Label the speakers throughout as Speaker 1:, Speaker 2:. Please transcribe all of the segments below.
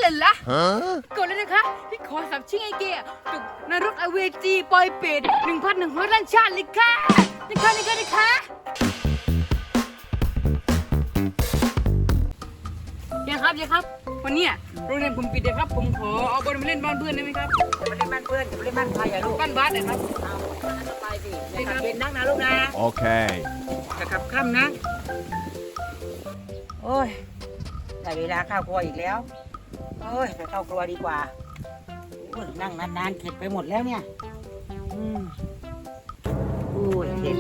Speaker 1: เลยล่ะก่อนเลยนะคะพี่ขอสับชิงไอเกะตกนรกอเวจีปอยเป็ด1,100 ล้านชาติเลยค่ะนะคะยังครับวันนี้โรงเรียนผมปิดเลยครับผมขอเอาบอลมาเล่นบ้านเพื่อนได้ไหมครับ
Speaker 2: จะมาเล่นบ้านเพื่อนจะมาเล่นบ้านใครอะลูก
Speaker 1: บ้านบาสนะครับ
Speaker 2: เอาไปสิอย่าขับเย็นนักนะลูกนะ
Speaker 3: โอเค
Speaker 2: จะขับค่ำนะโอ้ยได้เวลาเข้าครัวอีกแล้วโอ้ยไปเข้าครัวดีกว่าโอ้ยนั่งนานๆเข็ดไปหมดแล้วเนี่ยโอ้ยเด็ด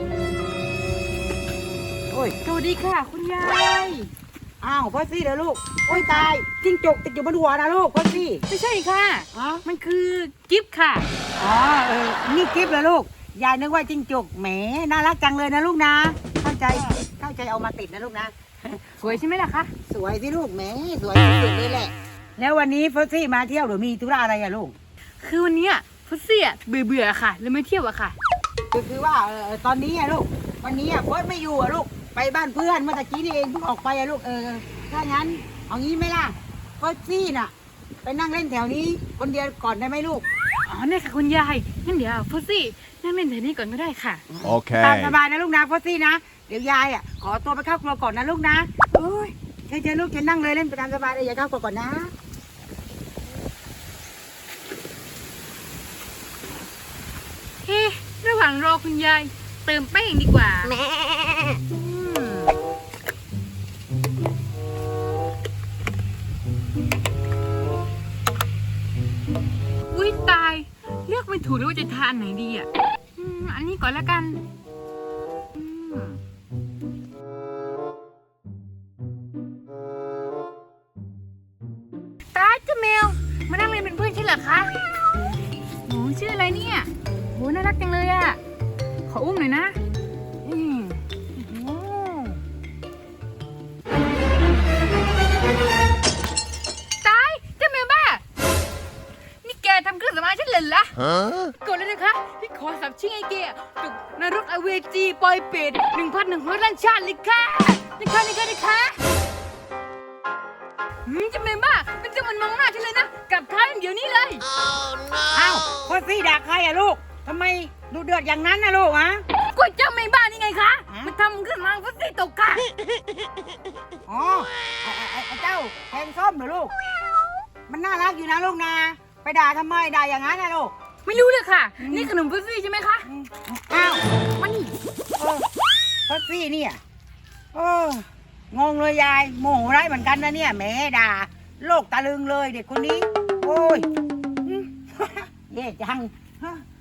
Speaker 2: โอ้ย
Speaker 1: สวัสดีค่ะคุณยาย
Speaker 2: อ้าวพ่อซี่เดี๋ยวลูกโอ้ยตายจิ้งจกติดอยู่บนหัวนะลูกพ่อซี่
Speaker 1: ไม่ใช่ค่ะ
Speaker 2: อ๋อ
Speaker 1: มันคือกิฟต์ค่ะ
Speaker 2: อ๋อนี่กิฟต์เหรอลูกยายนึกว่าจิ้งจกแหมน่ารักจังเลยนะลูกนะเข้าใจเอามาติดนะลูกนะ
Speaker 1: สวยใช่ไหมล่ะคะ
Speaker 2: สวยสิลูกแหมสวยสุดเลยแหละแล้ววันนี้ฟอสซี่มาเที่ยวหรือมีธุระอะไรอะลูก
Speaker 1: คือวันนี้ฟุตซี่เบื่อค่ะเลยไม่เที่ยวอะค่ะ
Speaker 2: คือว่าตอนนี้อะลูกวันนี้อะฟอสไม่อยู่อะลูกไปบ้านเพื่อนเมื่อตะกี้นี่เองเพิ่งออกไปอะลูกถ้างั้นเอางี้ไหมล่ะฟอสซี่น่ะไปนั่งเล่นแถวนี้คนเดียวก่อนได้ไหมลูก
Speaker 1: อ๋อเนี่ยค่ะคุณยายงั้นเดี๋ยวฟุตซี่นั่งเล่นแถวนี้ก่อนก็ได้ค่ะ
Speaker 3: โอเค
Speaker 2: ตามสบายนะลูกนะฟอสซี่นะเดี๋ยวยายอะขอตัวไปเข้าครัวก่อนนะลูกนะโอ้ยเชิญลูกเชิญนั่งเลยเล่นไปตามสบายเลยอย่าเข้าครัวก่อนนะ
Speaker 1: เฮ้ระหว่างรอคุณยายเติมแป้งดีกว่าอุ้ยตายเลือกไม่ถูกเลยว่าจะทานไหนดีอ่ะอันนี้ก่อนแล้วกันตาเจ้าแมวมานั่งเล่นเป็นเพื่อนใช่เหรอคะโอ้ชื่ออะไรเนี่ยโหน่ารักจังเลยอ่ะขออุ้มหน่อยนะตายเจ้าแมวบ้านี่แกทำเครื่องสำอางฉันเลยล่ะก่อนเลยนะคะพี่ขอสับชิงไอเกะตกนรกอเวจีปอยเป็ด1,100 ล้านชาติเลยค่ะนะคะจะไม่บ้าเป็นจังมันมองหน้าฉันเลยนะกลับท้ายเดี๋ยวนี้เลย
Speaker 2: อ้าวพ่อซี่ด่าใครอะลูกทำไมดูเดือดอย่างนั้นนะลูกฮะ
Speaker 1: ก็เจ้าไม่บ้านี่ไงคะมันทำขึ้นมาฟุตซี่ตกค่ะ
Speaker 2: อ๋อไอ้เจ้าแทงส้มเหรอลูกมันน่ารักอยู่นะลูกนะไปด่าทำไมด่าอย่างนั้นนะลูก
Speaker 1: ไม่รู้เลยค่ะนี่ขนมฟุตซี่ใช่ไหมคะ
Speaker 2: อ้าว
Speaker 1: มันนี่
Speaker 2: พ่อซี่เนี่ยงงเลยยายโมโหร้ายเหมือนกันนะเนี่ยแหมด่าโลกตะลึงเลยเด็กคนนี้โอ้ยเย่จัง